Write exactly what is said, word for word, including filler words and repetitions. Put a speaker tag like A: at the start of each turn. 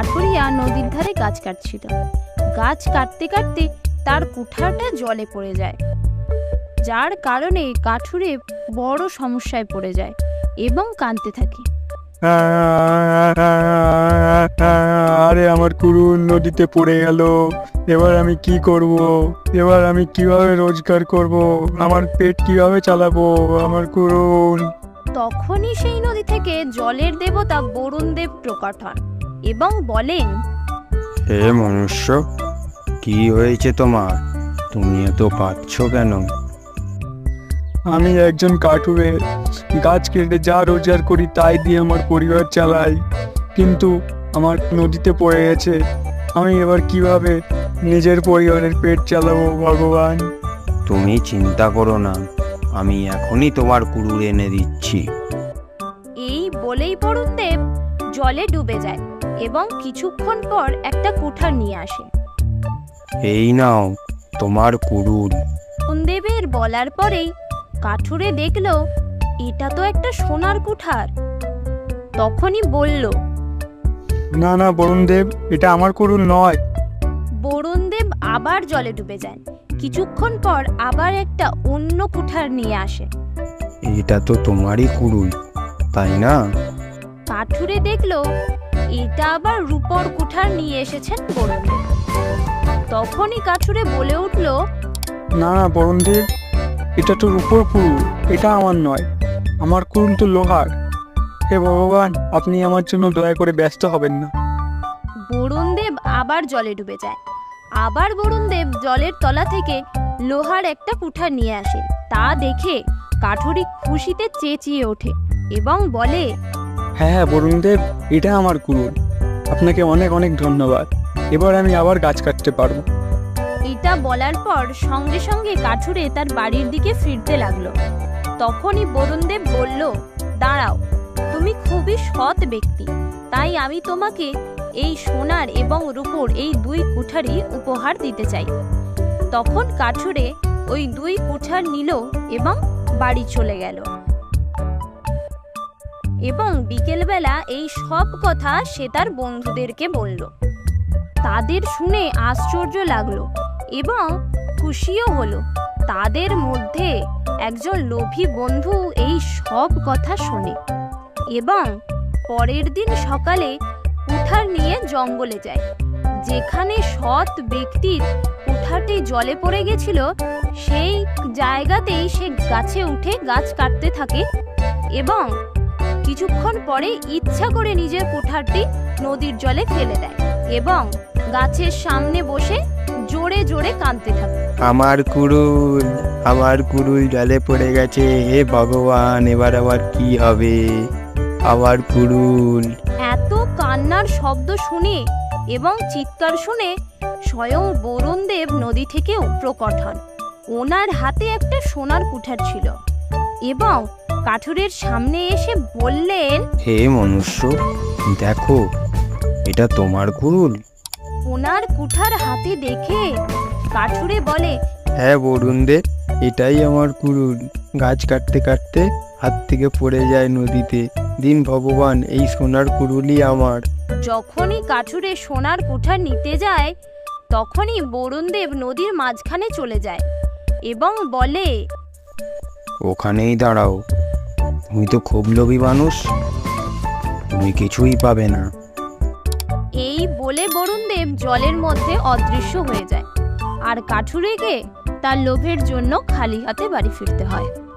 A: কাঠুরিয়া নদীর ধারে গাছ কাটছিল। গাছ কাটতে কাটতে তার কুঠারটা জলে পড়ে যায়, যার কারণে কাঠুরে বড় সমস্যায় পড়ে যায় এবং কাঁদতে থাকে।
B: আরে আমার কুড়ুল নদীতে পড়ে গেল, এবার আমি কি করব? এবার আমি কিভাবে রোজগার করব? আমার পেট কিভাবে চালাবো? আমার কুড়ুল।
A: তখনই সেই নদী থেকে জলের দেবতা বরুণ দেব প্রকট হন এবং বলেন,
C: হে মনুষ্য, কি হয়েছে তোমার? তুমি এত কাঁদছ কেন?
B: আমি একজন কাঠুরে, গাছ কেটে যা রোজগার করি তাই দিয়ে আমার পরিবার চালাই, কিন্তু আমার নদীতে পড়ে গেছে। আমি এবার কিভাবে নিজের পরিবারের পেট চালাবো ভগবান?
C: তুমি চিন্তা করো না, আমি এখনই তোমার কুড়ুল এনে দিচ্ছি।
A: এই বলেই বরুণ দেব জলে ডুবে যায় এবং কিছুক্ষণ পর একটা কুঠার নিয়ে আসে।
C: এই নাও তোমার কুড়ুল।
A: বরুণ দেবের বলার পরেই কাঠুরে দেখলো এটা তো একটা সোনার কুঠার। তখনই বলল,
B: না না বরুণ দেব, এটা আমার কুড়ুল নয়।
A: বরুণ দেব আবার জলে ডুবে যায়। কিছুক্ষণ পর আবার একটা অন্য কুঠার নিয়ে আসে।
C: এটা তো তোমারই কুড়ুল, তাই না?
A: কাঠুরে দেখলো এটা আবার রূপোর কুঠার নিয়ে এসেছেন বরুণ দেব। তখনই কাঠুরে বলে উঠল,
B: না না বরুণ দেব, এটা তো রূপোর কুড়ুল, এটা আমার নয়। আমার কুড়ুল তো লোহার। হে ভগবান, আপনি আমার জন্য দয়া করে ব্যস্ত হবেন না।
A: বরুণ দেব আবার জলে ডুবে যায়। আবার বরুণ দেব জলের তলা থেকে লোহার একটা কুঠার নিয়ে আসে। তা দেখে কাঠুরি খুশিতে চেঁচিয়ে ওঠে এবং বলে,
B: হ্যাঁ হ্যাঁ বরুণ দেব, এটা আমার কুড়ুল। আপনাকে অনেক অনেক ধন্যবাদ। এবার আমি আবার গাছ কাটতে পারবো।
A: এটা বলার পর সঙ্গে সঙ্গে কাঠুরে তার বাড়ির দিকে ফিরতে লাগলো। তখনই বরুণ দেব বলল, দাঁড়াও, তুমি খুবই সৎ ব্যক্তি, তাই আমি তোমাকে এই সোনার এবং রূপোর এই দুই কুঠারই উপহার দিতে চাই। তখন কাঠুরে ওই দুই কুঠার নিল এবং বাড়ি চলে গেল। এবং বিকেলবেলা এই সব কথা সে তার বন্ধুদেরকে বলল। তাদের শুনে আশ্চর্য লাগলো এবং খুশিও হলো। তাদের মধ্যে একজন লোভী বন্ধু এই সব কথা শোনে এবং পরের দিন সকালে কুঠার নিয়ে জঙ্গলে যায়। যেখানে সৎ ব্যক্তির কুঠারটি জলে পড়ে গেছিল, সেই জায়গাতেই সে গাছে উঠে গাছ কাটতে থাকে এবং কিছুক্ষণ পরে ইচ্ছা করে নিজের কুঠারটি নদীর জলে ফেলে দেয় এবং গাছের সামনে বসে জোরে জোরে কাঁদতে থাকে।
C: আমার কুড়ুল, আমার কুড়ুল জলে পড়ে গেছে, হে ভগবান, এবার আবার কি হবে? আমার কুড়ুল।
A: এত কান্নার শব্দ শুনে এবং চিৎকার শুনে স্বয়ং বরুণ দেব নদী থেকে প্রকট হন। ওনার হাতে একটা সোনার কুঠার ছিল এবং কাঠুরের সামনে এসে বললেন,
C: হে মনুষ্য, দেখো, এটা তোমার কুড়ুল।
A: ওনার কুঠার হাতে দেখে কাঠুরে বলে,
C: হ্যাঁ বরুণ দেব, এটাই আমার কুড়ুল। গাছ কাটতে কাটতে হাত থেকে পড়ে যায় নদীতে। দিন ভগবান, এই সোনার কুড়ুলই আমার।
A: যখনই কাঠুরে সোনার কুঠার নিতে যায়, তখনই বরুণ দেব নদীর মাঝখানে চলে যায় এবং বলে,
C: ওখানেই দাঁড়াও, তুমি তো খুব লোভী মানুষ, তুমি কিছুই পাবে না।
A: এই বলে বরুণ দেব জলের মধ্যে অদৃশ্য হয়ে যায় আর কাঠুরেকে তার লোভের জন্য খালি হাতে বাড়ি ফিরতে হয়।